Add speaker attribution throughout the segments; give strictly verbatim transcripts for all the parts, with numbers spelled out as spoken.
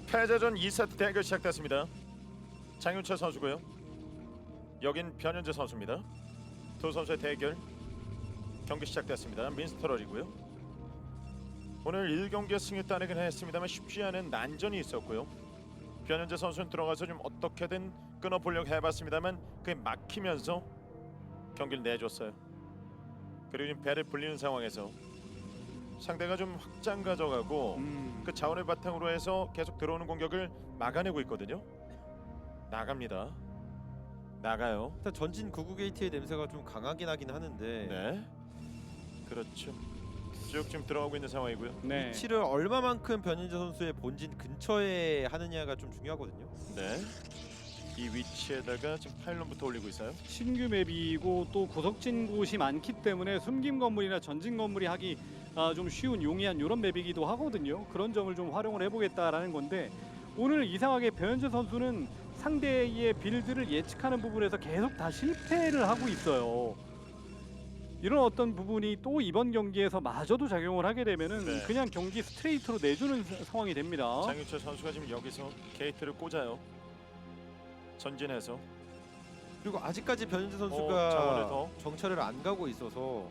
Speaker 1: 패자전 이 세트 대결 시작됐습니다. 장윤철 선수고요. 여긴 변현재 선수입니다. 두 선수의 대결 경기 시작됐습니다. 민스터럴이고요. 오늘 일 경기에 승리 따내긴 했습니다만 쉽지 않은 난전이 있었고요. 변현재 선수는 들어가서 좀 어떻게든 끊어보려고 해봤습니다만 그게 막히면서 경기를 내줬어요. 그리고 지금 배를 불리는 상황에서 상대가 좀 확장 가져가고
Speaker 2: 음.
Speaker 1: 그 자원을 바탕으로 해서 계속 들어오는 공격을 막아내고 있거든요. 나갑니다. 나가요.
Speaker 3: 일단 전진 구구 게이트의 냄새가 좀 강하긴 하긴 하는데
Speaker 1: 네. 그렇죠. 쭉 지금 들어가고 있는 상황이고요.
Speaker 2: 네.
Speaker 3: 위치를 얼마만큼 변현재 선수의 본진 근처에 하느냐가 좀 중요하거든요.
Speaker 1: 네. 이 위치에다가 지금 파일런부터 올리고 있어요.
Speaker 2: 신규 맵이고 또 구석진 곳이 많기 때문에 숨김 건물이나 전진 건물이 하기 아, 좀 쉬운 용이한 이런 맵이기도 하거든요. 그런 점을 좀 활용을 해보겠다라는 건데 오늘 이상하게 변현재 선수는 상대의 빌드를 예측하는 부분에서 계속 다 실패를 하고 있어요. 이런 어떤 부분이 또 이번 경기에서 마저도 작용을 하게 되면은
Speaker 1: 네.
Speaker 2: 그냥 경기 스트레이트로 내주는 사- 상황이 됩니다.
Speaker 1: 장윤철 선수가 지금 여기서 게이트를 꽂아요. 전진해서
Speaker 3: 그리고 아직까지 변현재
Speaker 1: 어, 자원을
Speaker 3: 선수가
Speaker 1: 더.
Speaker 3: 정찰을 안 가고 있어서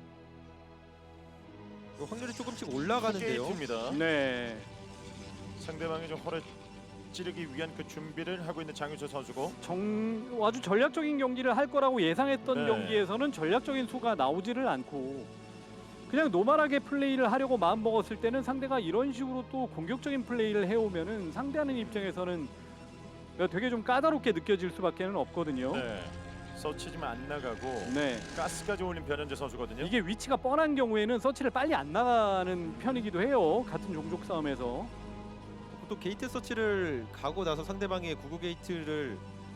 Speaker 3: 그 확률이 조금씩 올라가는데요.
Speaker 1: 게이트입니다.
Speaker 2: 네.
Speaker 1: 상대방의 좀 허를 찌르기 위한 그 준비를 하고 있는 장윤철 선수고.
Speaker 2: 정 아주 전략적인 경기를 할 거라고 예상했던
Speaker 1: 네.
Speaker 2: 경기에서는 전략적인 수가 나오지를 않고 그냥 노멀하게 플레이를 하려고 마음 먹었을 때는 상대가 이런 식으로 또 공격적인 플레이를 해오면은 상대하는 입장에서는 되게 좀 까다롭게 느껴질 수밖에는 없거든요.
Speaker 1: 네. 서치지만 안 나가고
Speaker 2: 네.
Speaker 1: 가스까지 올린 변현재 선수거든요.
Speaker 2: 이게 위치가 뻔한 경우에는 서치를 빨리 안 나가는 편이기도 해요. 같은 종족 싸움에서.
Speaker 3: 또 게이트 서치를 가고 나서 상대방의 구구 게이트를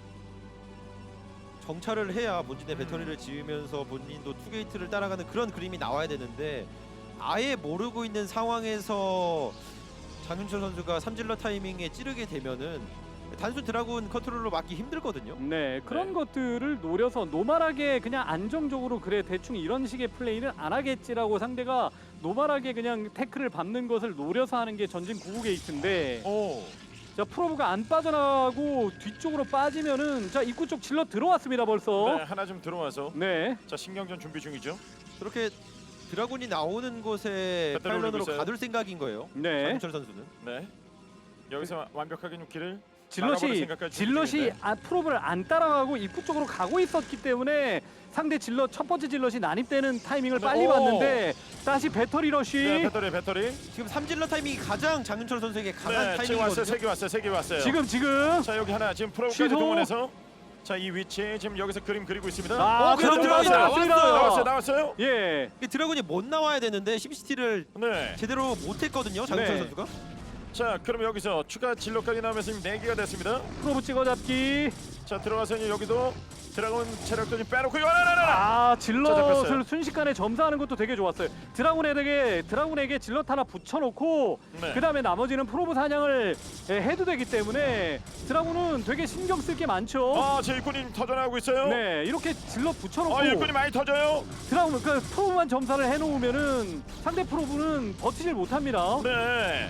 Speaker 3: 정찰을 해야 본진의
Speaker 1: 음.
Speaker 3: 배터리를 지으면서 본인도 투 게이트를 따라가는 그런 그림이 나와야 되는데 아예 모르고 있는 상황에서 장윤철 선수가 삼질러 타이밍에 찌르게 되면은 단순 드라군 컨트롤로 막기 힘들거든요.
Speaker 2: 네, 그런
Speaker 1: 네.
Speaker 2: 것들을 노려서 노멀하게 그냥 안정적으로 그래 대충 이런 식의 플레이는 안 하겠지라고 상대가 노멀하게 그냥 태클을 밟는 것을 노려서 하는 게 전진 구구 게이트인데
Speaker 1: 오.
Speaker 2: 자 프로브가 안 빠져나가고 뒤쪽으로 빠지면은 자 입구 쪽 질러 들어왔습니다 벌써.
Speaker 1: 네, 하나 좀 들어와서
Speaker 2: 네.
Speaker 1: 자 신경전 준비 중이죠.
Speaker 3: 그렇게 드라군이 나오는 곳에
Speaker 1: 배터리 올리고
Speaker 3: 파일런으로
Speaker 1: 있어요.
Speaker 3: 가둘 생각인 거예요.
Speaker 2: 네.
Speaker 3: 장윤철 선수는.
Speaker 1: 네. 여기서 와- 완벽하게 좀 길을 막아버릴
Speaker 2: 질럿이
Speaker 1: 생각까지
Speaker 2: 질럿이
Speaker 1: 중인데.
Speaker 2: 아, 프로브를 안 따라가고 입구 쪽으로 가고 있었기 때문에 상대 질럿 첫 번째 질럿이 난입되는 타이밍을
Speaker 1: 네,
Speaker 2: 빨리
Speaker 1: 오.
Speaker 2: 봤는데 다시 배터리 러쉬.
Speaker 1: 네, 배터리 배터리.
Speaker 3: 지금 삼질러 타이밍이 가장 장윤철 선수에게 강한
Speaker 1: 네, 지금 왔어요.
Speaker 3: 타이밍이거든요.
Speaker 1: 세 개 왔어요. 세 개 왔어요.
Speaker 2: 지금 지금
Speaker 1: 자 여기 하나 지금 프로까지
Speaker 2: 취소.
Speaker 1: 동원해서 자 이 위치 지금 여기서 그림 그리고 있습니다.
Speaker 2: 아,
Speaker 1: 어,
Speaker 2: 그럼
Speaker 1: 들어왔어요.
Speaker 2: 들어왔습니다.
Speaker 1: 나왔어요. 나왔어요.
Speaker 2: 예.
Speaker 3: 이게 드라군이 못 나와야 되는데 심시티를
Speaker 1: 네.
Speaker 3: 제대로 못했거든요. 장윤철
Speaker 2: 네.
Speaker 3: 선수가.
Speaker 1: 자 그럼 여기서 추가 진로까지 나오면서 지금 네 개가 됐습니다.
Speaker 2: 프로브 찍어잡기.
Speaker 1: 자 들어가서 이제 여기도 드라곤 체력도 좀 빼놓고 이거 하나 하나 하나.
Speaker 2: 아
Speaker 1: 자,
Speaker 2: 질럿을
Speaker 1: 잡혔어요.
Speaker 2: 순식간에 점사하는 것도 되게 좋았어요. 드라군에게 드라군에게 질럿 하나 붙여놓고
Speaker 1: 네.
Speaker 2: 그 다음에 나머지는 프로브 사냥을 예, 해도 되기 때문에 드라군은 되게 신경 쓸 게 많죠.
Speaker 1: 아제 일꾼이 터져나오고 있어요.
Speaker 2: 네 이렇게 질럿 붙여놓고
Speaker 1: 아 일꾼이 많이 터져요.
Speaker 2: 드라군 그 프로브만 점사를 해놓으면은 상대 프로브는 버티질 못합니다.
Speaker 1: 네.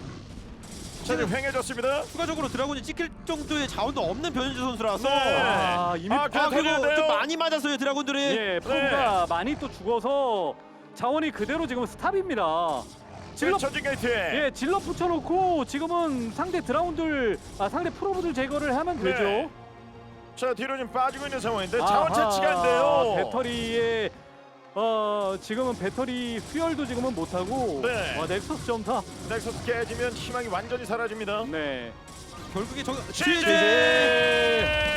Speaker 1: 자 지금 횡해졌습니다.
Speaker 3: 추가적으로 드라군이 찍힐 정도의 자원도 없는 변현재 선수라서.
Speaker 1: 네.
Speaker 2: 아 이미
Speaker 1: 아,
Speaker 3: 아
Speaker 1: 그냥
Speaker 3: 그리고
Speaker 1: 터져야 돼요.
Speaker 3: 좀 많이 맞았어요 드라군들이.
Speaker 2: 예 프로브가 많이 또 죽어서 자원이 그대로 지금 스탑입니다.
Speaker 1: 지금
Speaker 2: 질럿
Speaker 1: 전진 게이트에.
Speaker 2: 예, 질럿 붙여놓고 지금은 상대 드라운들, 아 상대 프로브들 제거를 하면 되죠.
Speaker 1: 네. 자 뒤로 좀 빠지고 있는 상황인데 자원 채취가 안
Speaker 2: 아하,
Speaker 1: 돼요.
Speaker 2: 배터리에 어 지금은 배터리 수혈도 지금은 못하고
Speaker 1: 네.
Speaker 2: 어, 넥서스 점사.
Speaker 1: 넥서스 깨지면 희망이 완전히 사라집니다.
Speaker 2: 네.
Speaker 3: 결국에 저
Speaker 1: 지지!